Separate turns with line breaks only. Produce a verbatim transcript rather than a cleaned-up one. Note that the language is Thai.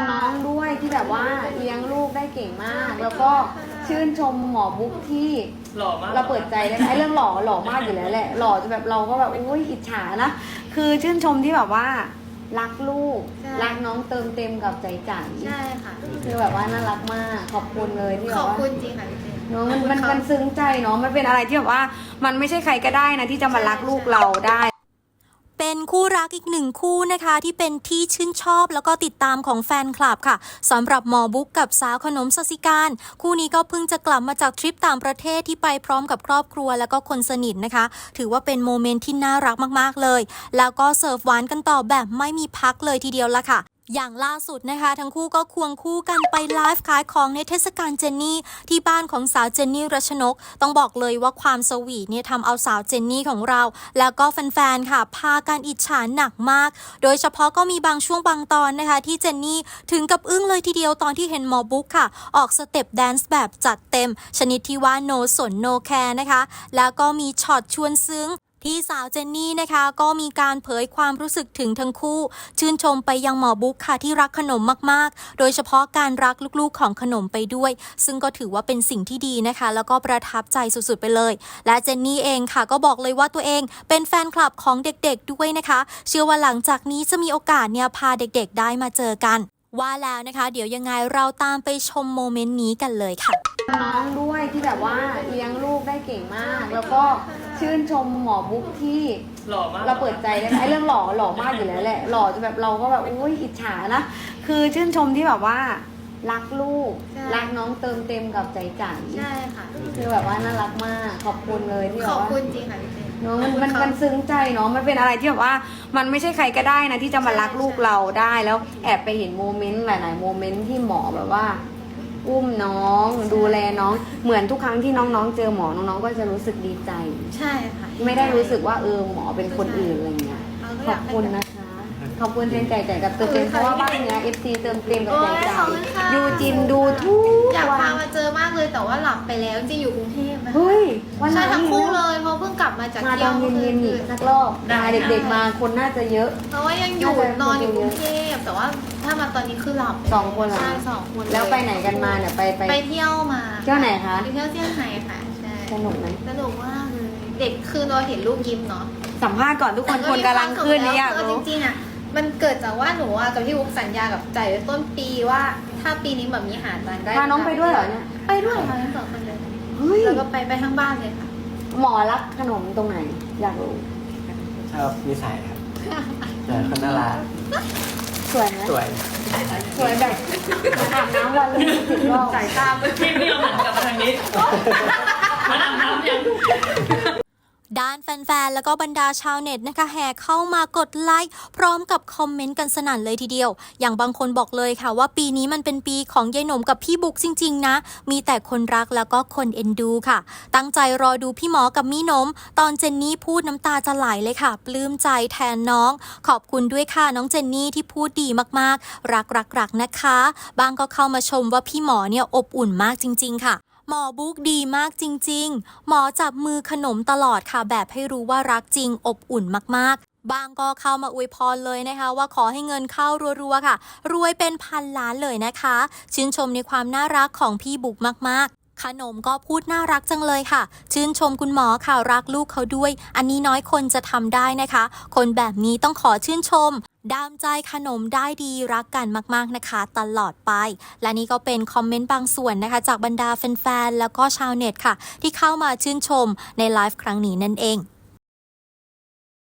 น้องด้วยที่แบบว่าเลี้ยงลูกได้เก่งมาก แล้วก็ชื่นชมหมอบุ๊กที่
หล่อมาก
เราเปิดใจได้ไอ้เรื่องหล่อหล่อมากอยู่แล้วแหละหล่อจะแบบเราก็แบบอุ้ยอิจฉานะคือชื่นชมที่แบบว่ารักลูกรักน้องเติมเต็มกับใจจัน
ใช่ค่ะ
คือแบบว่าน่ารักมากขอบคุณเลยที่แบ
ขอ
บว่า
บคุณจริงค่ะพี่เจ
เนาะมันมันมันซึ้งใจเนาะมันเป็นอะไรที่แบบว่ามันไม่ใช่ใครก็ได้นะที่จะมารักลูกเราได้
เป็นคู่รักอีกหนึ่งคู่นะคะที่เป็นที่ชื่นชอบแล้วก็ติดตามของแฟนคลับค่ะสำหรับหมอบุ๊กกับสาวขนมสศิการคู่นี้ก็เพิ่งจะกลับมาจากทริปต่างประเทศที่ไปพร้อมกับครอบครัวแล้วก็คนสนิทนะคะถือว่าเป็นโมเมนต์ที่น่ารักมากๆเลยแล้วก็เสิร์ฟหวานกันต่อแบบไม่มีพักเลยทีเดียวละค่ะอย่างล่าสุดนะคะทั้งคู่ก็ควงคู่กันไปไลฟ์ขายของในเทศกาลเจนนี่ที่บ้านของสาวเจนนี่รัชนกต้องบอกเลยว่าความสวีทเนี่ยทำเอาสาวเจนนี่ของเราแล้วก็แฟนๆค่ะพากันอิจฉาหนักมากโดยเฉพาะก็มีบางช่วงบางตอนนะคะที่เจนนี่ถึงกับอึ้งเลยทีเดียวตอนที่เห็นหมอบุ๊กค่ะออกสเต็ปแดนซ์แบบจัดเต็มชนิดที่ว่าโนสนโนแคร์นะคะแล้วก็มีช็อตชวนซึ้งที่สาวเจนนี่นะคะก็มีการเผยความรู้สึกถึงทั้งคู่ชื่นชมไปยังหมอบุ๊กค่ะที่รักขนมมากๆโดยเฉพาะการรักลูกๆของขนมไปด้วยซึ่งก็ถือว่าเป็นสิ่งที่ดีนะคะแล้วก็ประทับใจสุดๆไปเลยและเจนนี่เองค่ะก็บอกเลยว่าตัวเองเป็นแฟนคลับของเด็กๆด้วยนะคะเชื่อว่าหลังจากนี้จะมีโอกาสเนี่ยพาเด็กๆได้มาเจอกันว่าแล้วนะคะเดี๋ยวยังไงเราตามไปชมโมเมนต์นี้กันเลยค่ะ
น้องด้วยที่แบบว่าเลี้ยงลูกได้เก่งมาก แล้วก็ชื่นชมหมอบุ๊กที่
หล่อมาก
เราเปิดใจได้ไอ้เรื่องหล่อหล่อมากอยู่แล้วแหละหล่อจะแบบเราก็แบบอุ้ยอิจฉานะคือชื่นชมที่แบบว่ารักลูกรักน้องเติมเต็มกับใจจัน
ใช่ค่ะ
คือแบบว่าน่ารักมากขอบคุณเลยที่แบ
บ
บว่า
ขอบคุณจริงค่ะพี่เจ
เนาะมันมันมันซึ้งใจเนาะมันเป็นอะไรที่แบบว่ามันไม่ใช่ใครก็ได้นะที่จะมารักลูกเราได้แล้วแอบไปเห็นโมเมนต์หลายๆโมเมนต์ที่หมอแบบว่าอุ้มน้องดูแลน้องเหมือนทุกครั้งที่น้องๆเจอหมอน้องๆก็จะรู้สึกดีใจ
ใช่ค่ะ
ไม่ได้รู้สึกว่าเออหมอเป็นคนอื่นอะไรเงี้ยขอบคุณนะคะขอบคุณแทนใจใจกับเติมเต็มเพราะว่าบ้านเนี้ย เอฟ ซี เติมเต็มกับใจใจยูจินดูทุก
อยาก
วั
พาน มาเจอมากเลยแต่ว่าหลับไปแล้วจริงอยู่กรุงเทพนะ
เฮ้ยวันไหน
ใช่ทั้งคู่เลยเพราะเพิ่งกลับมาจาก
มา
เที่
ต
ย
อ
วน
เย็นๆอีกสักรอบมาเด็กๆมาคนน่าจะเยอะ
เพราะว่ายังอยู่นอนอยู่กรุงเทพแต่ว่าถ้ามาตอนนี้คือหลับ
สองคนเหรอ
ใช่สองคน
แล้วไปไหนกันมาเนี่ยไปไป
ไปเที่ยวมา
เที่ยวไหนคะ
ไปเที่ยวเซี่ยงไฮ้ค่ะใช่
สนุกไหม
สนุกมากเลยเด็กคือเราเห็นลูกยิ้มเนาะ
สัมภาษณ์ก่อนทุกคนคนกำลังขึ้นนี่อยากรู้
จริงๆอ่ะมันเกิดจากว่าหนูอ่ะกับพี่วุ๊กสัญญากับใจไว้ต้นปีว่าถ้าปีนี้แบบมีหาตังได้
พาน้องไปด้วยเหรอเนี่ย
ไปด้วยค่ะทั้งสองคนเลยแล้วก็ไปไปทั้งบ้านเลยค่ะ
หมอรักขนมตรงไหนอยากรู้
ชอบนิสัยครับแต่คนน่ารัก
สวยไหม
สวย
สวยแบบอาบน้ำวันละสิบรอบ
สายตาเมื่อกี้ไม่ยอมหันกลับมาทางนี้มันอาบน้ำยัง
ด้านแฟนๆแล้วก็บรรดาชาวเน็ตนะคะแห่เข้ามากดไลค์พร้อมกับคอมเมนต์กันสนั่นเลยทีเดียวอย่างบางคนบอกเลยค่ะว่าปีนี้มันเป็นปีของยายหนมกับพี่บุ๊กจริงๆนะมีแต่คนรักแล้วก็คนเอ็นดูค่ะตั้งใจรอดูพี่หมอกับมี่นมตอนเจนนี่พูดน้ำตาจะไหลเลยค่ะปลื้มใจแทนน้องขอบคุณด้วยค่ะน้องเจนนี่ที่พูดดีมากๆรักรักรักนะคะบางก็เข้ามาชมว่าพี่หมอเนี่ยอบอุ่นมากจริงๆค่ะหมอบุ๊กดีมากจริงๆหมอจับมือขนมตลอดค่ะแบบให้รู้ว่ารักจริงอบอุ่นมากๆบางก็เข้ามาอวยพรเลยนะคะว่าขอให้เงินเข้ารัวๆค่ะรวยเป็นพันล้านเลยนะคะชื่นชมในความน่ารักของพี่บุ๊กมากๆขนมก็พูดน่ารักจังเลยค่ะชื่นชมคุณหมอค่ะรักลูกเขาด้วยอันนี้น้อยคนจะทำได้นะคะคนแบบนี้ต้องขอชื่นชมดามใจขนมได้ดีรักกันมากๆนะคะตลอดไปและนี่ก็เป็นคอมเมนต์บางส่วนนะคะจากบรรดาแฟนๆแล้วก็ชาวเน็ตค่ะที่เข้ามาชื่นชมในไลฟ์ครั้งนี้นั่นเอง